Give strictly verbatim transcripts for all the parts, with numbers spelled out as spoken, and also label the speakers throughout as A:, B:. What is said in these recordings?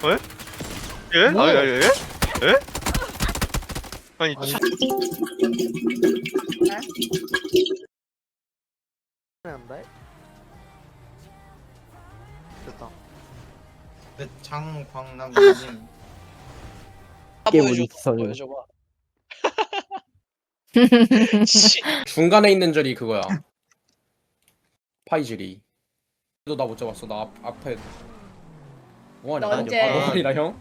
A: 에? 예?
B: 뭐?
A: 아, 예? 예? 예? 아니,
B: 아니.
A: 치-
B: 한다. 됐다.
C: 네, 장광남님.
D: 게임
E: 보여줘,
D: 어디 있어, 저기.
E: 보여줘봐. 씨.
F: 중간에 있는 절이 그거야. 파이즐이. 너 나 못 잡았어. 나 앞, 앞에. 뭐하냐?
G: 너 언제?
F: 뭐하냐 형?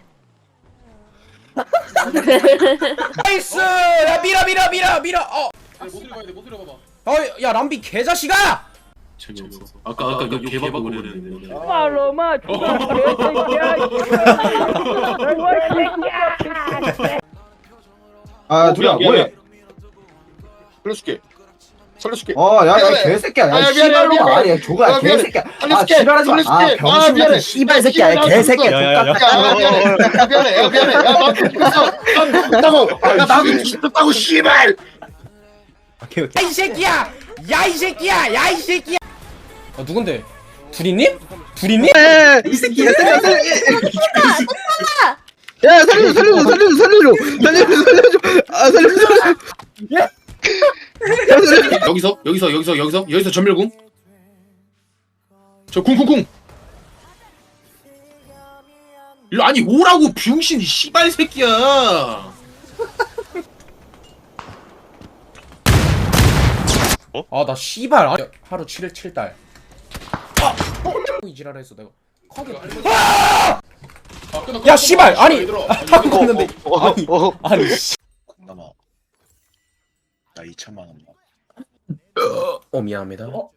F: 나이스! 야 밀어 밀어 밀어 밀어. 어.
H: 못 들어가야 돼, 못 들어가봐.
F: 어, 야 람비 개자식아!
H: 재미없어. 아까 아까 그 개바고 그랬는데.
I: 말로마 죽어 개새끼야.
J: 아 둘이야 뭐해?
H: 살려줄게. 살려줄게.
J: 어야야
H: 미안해.
J: 개새끼야
H: 아,
J: 야
H: 미안해,
J: 씨발로마
H: 미안해.
J: 아니야 조가
H: 아, 미안해.
J: 개새끼야 아
H: 살려줄게.
J: 지랄하지 마아
H: 살려줄게.
J: 병신
H: 아,
J: 같은
H: 미안해.
J: 씨발 새끼야 야
H: 씨발
J: 개새끼야
A: 야, 야, 야.
J: 똑같아
H: 야, 미안해. 야, 미안해. 야, 미안해. 야, 나 죽었어. 나 나도 죽었다고 씨발.
F: 야 이 새끼야! 야 이 새끼야! 야 이 새끼야! 어 누군데? 둘이님? 둘이님?
J: 이 새끼야 살려 살려 야 살려줘 살려줘 살려줘 살려줘 살려줘 살려줘 아 살려줘 살려줘
H: 여기서 여기서 여기서 여기서 여기서 전멸궁. 저 쿵쿵쿵. 일로 아니 오라고 병신 이 씨발 새끼야.
F: 아 나 씨발 아, 하루 칠 일 칠 달. 아! 이 지랄했어 내가. 커게. 아! 야 씨발 아니 하고 갔는데 아니 아니 씨.
K: 남아 나 이천만 원.
F: 어 미안합니다.
K: 어?